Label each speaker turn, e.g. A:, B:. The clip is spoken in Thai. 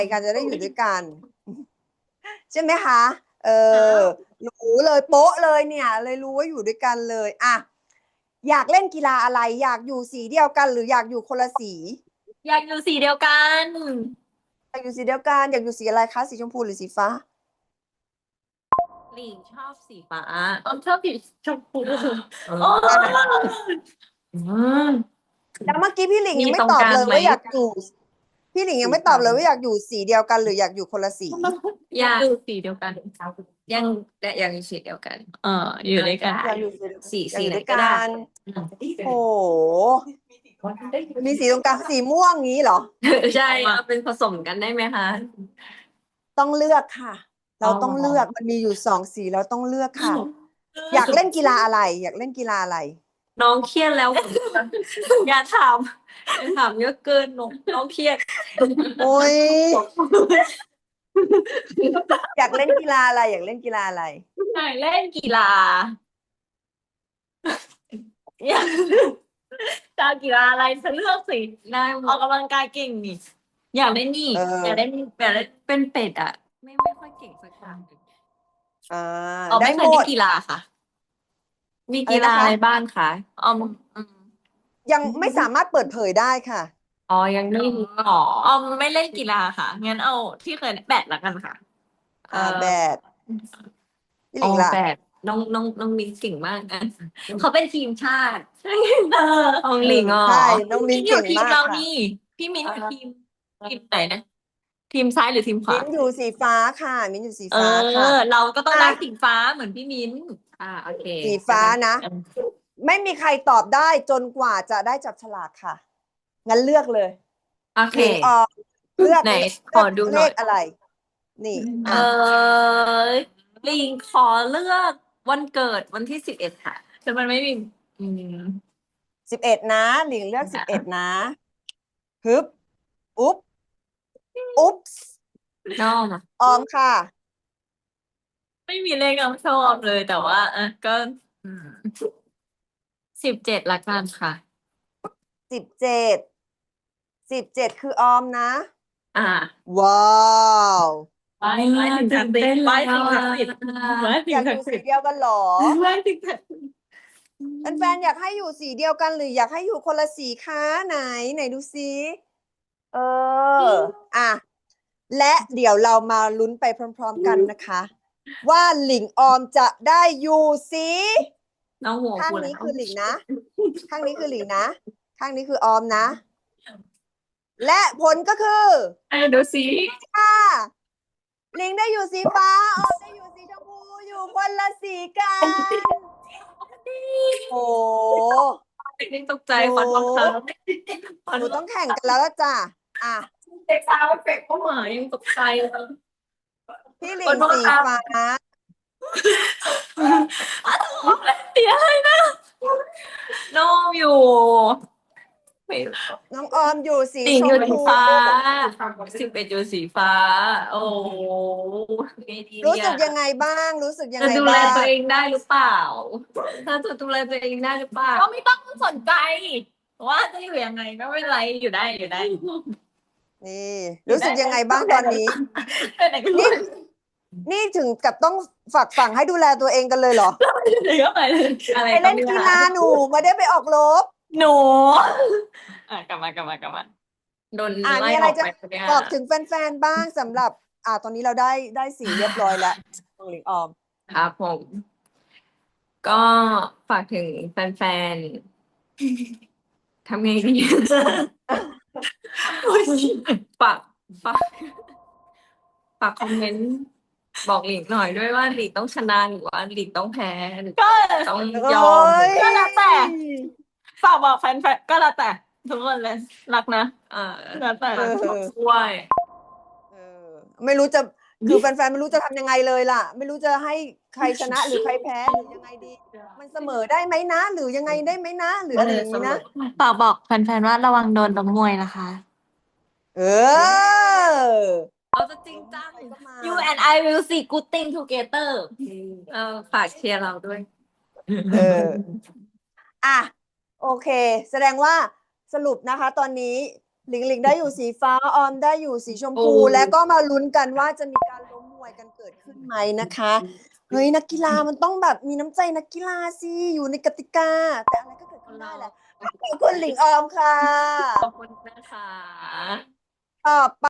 A: กันจะได้อยู่ด้วยกัน ใช่ไหมคะรู้เลยโป๊ะเลยเนี่ย เลยรู้ว่าอยู่ด้วยกันเลยอ่ะอยากเล่นกีฬาอะไร อยากอยู่สีเดียวกัน หรืออยากอยู่คนละสี
B: อยากอยู่สีเดียวกัน
A: อยากอยู่สีเดียวกัน อยากอยู่สีอะไรคะสีชมพูหรือสีฟ้า
B: หลิงชอบสีฟ้าชอบสีชมพูโอ้
A: แล้วเมื่อกี้พี่หลิง
B: มี
A: ยังไม่
B: ตรง
A: ตอบ
B: กลาง
A: เลย
B: ไหม
A: ว่าอยากอยู่ พี่หลิงยังไม่ตอบเลยว่าอยากอยู่สีเดียวกัน หรืออยากอยู่คนละสี
B: อยากอยู่สีเดียวกันยังยังอยู่สีเดียวกัน อยู่ด้วยกัน
A: อยากอยู่สี
B: สี
A: อยากอยู่
B: ไหน
A: ด้วย
B: ก็
A: กั
B: ได้
A: น โอ้โหมีสีตรงกลางสีม่วงงี้เหรอ
B: ใช่เอาเป็นผสมกันได้ไหมคะ
A: ต้องเลือกค่ะ เราต้องเลือกมันมีอยู่2 สีเราต้องเลือกค่ะ อยากเล่นกีฬาอะไร อยากเล่นกีฬาอะไร
B: น้องเครียดแล้ว อย่าถามเยอะเกินน้องเครียด
A: โอ้ย อยากเล่นกีฬาอะไร อยากเล่นกีฬาอะไร
B: อยากเล่นกีฬาอยากจะกีฬาอะไรฉันเลือกสิได้ออกกำลังกายเก่งนี่อยากเล่นนี่
A: เออ
B: อยากเล่นเป็นเป็ดอ่ะ ไม่ค่อยเก่งสักอย่าง
A: ได้
B: ไม่เค
A: หม
B: ยเล่
A: ด
B: นกีฬาค่ะ มีกีฬาอะไรบ้างคะ
A: ยังไม่สามารถเปิดเผยได้ค่ะ
B: ยังไม่ไม่เล่นกีฬาค่ะงั้นเอาที่เคยแบดละกันค่ะ
A: แบดพี่หลิงล่ะ
B: แบดน้องมิ้นเก่งมากนะเขาเป็นทีมชาติของหลิง
A: ใช่น้องมิ้น
B: อยู่
A: เก่ง
B: ทีม
A: มาก
B: เรา
A: ค่ะ
B: นี่พี่มิ้นอยู่ทีมไหนนะ ทีมซ้ายหรือทีมขวา
A: มิ้นอยู่สีฟ้าค่ะ มิ้นอยู่สีฟ้าค่ะ
B: เราก็ต้องได้สีฟ้าเหมือนพี่มิ้นโอเค
A: สีฟ้านะ ไม่มีใครตอบได้จนกว่าจะได้จับฉลากค่ะ งั้นเลือกเลย
B: โอเค
A: หลิงออกเลือก
B: ไหน
A: เลื
B: ขอดูห
A: เล
B: น่อย
A: ขอะไร นี่
B: ลิงขอเลือกวันเกิดวันที่11ค่ะแต่มันไม่มี
A: 11 นะ หลิงเลือก11 นะฮึบอุ๊บอุ๊บ
B: น้อง
A: ออมค่ะ
B: ไม่มีเลขน้องชอบเลยแต่ว่าก็17ละกันค่ะ
A: 17คือออมนะ ว้าว
B: ไปถึงศักดิ์สิทธิ์ไปถึงศักดิ์สิทธิ์
A: อยากอยู่สีเดียวกันเหรอ แฟนๆอยากให้อยู่สีเดียวกันหรืออยากให้อยู่คนละสีคะไหนดูซิและเดี๋ยวเรามาลุ้นไปพร้อมๆกันนะคะ ว่าหลิงออมจะได้อยู่สีข้างนี้คือหลิงนะ ข้างนี้คือหลิงนะ ข้างนี้คือออมนะ และผลก็คือ
B: ดูสิ
A: ค่ะหลิงได้อยู่สีฟ้าออมได้อยู่สีชมพูอยู่คนละสีกันโอ้
B: ตกใจฟันบังคับ
A: หนูต้องแข่งกันแล้วล่ะจ้ะ
B: เด็กสาวเฟกเข้ามายังตกใจเลย
A: พี่หลิงสีฟ้า
B: เดี๋ยวให้นะน้องอยู่
A: น้องออมอยู่สี
B: หลิง
A: ช
B: อยู่
A: ม
B: สี
A: พู
B: ฟ้า11อยู่สีฟ้า โอ้
A: รู้สึกยังไงบ้างรู้สึกยัง
B: จะ
A: ไง
B: ดูแล
A: บ้าง
B: ตัวเองได้หรือเปล่าถ้าจะดูแลตัวเองได้หรือเปล่าก็ไม่ต้องสนใจว่าจะอยู่ยังไงก็ไม่เป็นไรอยู่ได้
A: นี่รู้สึกยังไงบ้างตอนนี้ นี่ถึงกับต้องฝากฝังให้ดูแลตัวเองกันเลยเหรอ
B: ไป
A: ไปเล่นกีฬาหนูไม่ได้ไปออกรบ
B: หนูกลับมาโดนไล่
A: มี
B: อ
A: อะไร
B: อก
A: จะ
B: ไป
A: บอกถึงแฟนๆบ้างสำหรับตอนนี้เราได้สีเรียบร้อยแล้วของหลิงออม
B: ครับผม ก็ฝากถึงแฟนๆทำไงดีฝากคอมเมนต์บอกหลิงหน่อยด้วยว่าหลิงต้องชนะหรือว่าหลิงต้องแพ้หรือต้องยอมก็แล้วแต่ฝากบอกแฟนๆก็แล้วแต่ทุกคนเลยรักนะแล้วแต่ช่วย
A: ไม่รู้จะคือแฟนๆไม่รู้จะทำยังไงเลยล่ะ ไม่รู้จะให้ใครชนะหรือใครแพ้หรือยังไงดี มันเสมอได้ไหมนะ หรือยังไงได้ไหมนะหรืออะไรอย่างนี้นะ
B: ฝากบอกแฟนๆว่าระวังโดนล้มมวยนะคะ เราจะจริงจัง You and I will see good thing together ฝากเชียร์เราด้วย
A: โอเค แสดงว่าสรุปนะคะ ตอนนี้หลิงหลิงได้อยู่สีฟ้าออมได้อยู่สีชมพู
B: โอ้
A: แล้วก็มาลุ้นกันว่าจะมีการล้มมวยกันเกิดขึ้นไหมนะคะเฮ้ยนักกีฬามันต้องแบบมีน้ำใจนักกีฬาสิอยู่ในกติกา แต่อะไรก็เกิดขึ้นได้แหละขอบคุณหลิงออมค่ะ
B: ขอบคุณนะคะ
A: ต่อไป